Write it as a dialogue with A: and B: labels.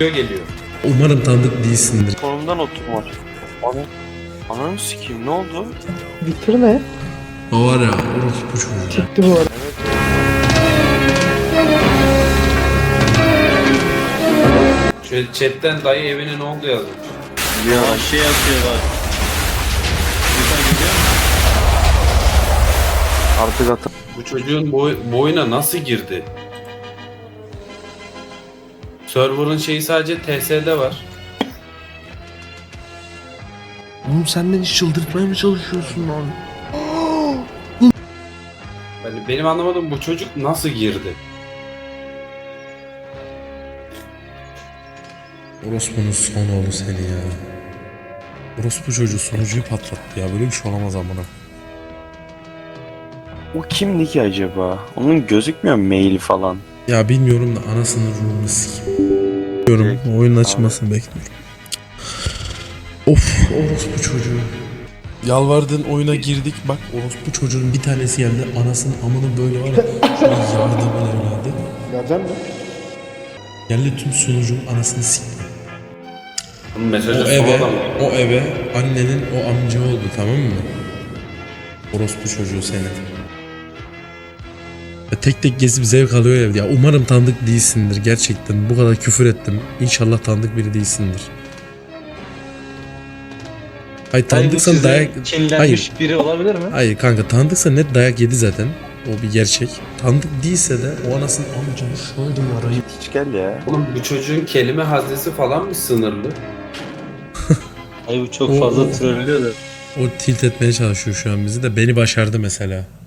A: geliyor.
B: Umarım tanıdık değilsindir.
C: Konumdan oturma. Ananı sikeyim, ne oldu?
D: Bitirme.
B: O var ya, orospu çocuğu.
D: Çıktı bu arada.
A: Şöyle chatten dayı evine ne oldu yazmış.
C: Ya şey yapıyor bak. Artık at.
A: Bu çocuğun bu oyuna nasıl girdi? Server'ın şeyi sadece TS'de var.
B: Oğlum sen beni çıldırtmaya mı çalışıyorsun lan?
A: Yani benim anlamadığım bu çocuk nasıl girdi?
B: Orospu'nun son oğlu seni ya. Orospu çocuğu sunucuyu patlattı ya. Böyle bir şey olamaz amına.
C: O kimdi ki acaba? Onun gözükmüyor mu mail falan?
B: Ya bilmiyorum da anasının ruhunu sikeyim. Bilmiyorum, oyunun açılmasını bekliyorum. Of, orospu çocuğu. Yalvardığın oyuna girdik, bak orospu çocuğun bir tanesi geldi, anasının amını böyle var ya. Şöyle yardımın evladı.
D: Geleceğim mi?
B: Geldi tüm sunucunun anasını sikti.
A: Bunun mesajı
B: O
A: son
B: eve,
A: adam.
B: o eve annenin o amca oldu, tamam mı? Orospu çocuğu seni. Ya tek tek gezip zevk alıyor evde. Ya umarım tanıdık değilsindir gerçekten. Bu kadar küfür ettim. İnşallah tanıdık biri değilsindir. Hayır tanıdıksan dayak...
E: Kinlenmiş biri olabilir mi?
B: Hayır kanka, tanıdıksa net dayak yedi zaten. O bir gerçek. Tanıdık değilse de o anasının amcanı şöyle arayıp...
C: Hiç gel ya.
A: Oğlum bu çocuğun kelime haznesi falan mı sınırlı?
E: Ay bu çok fazla trollüyor da.
B: O tilt etmeye çalışıyor şu an bizi de. Beni başardı mesela.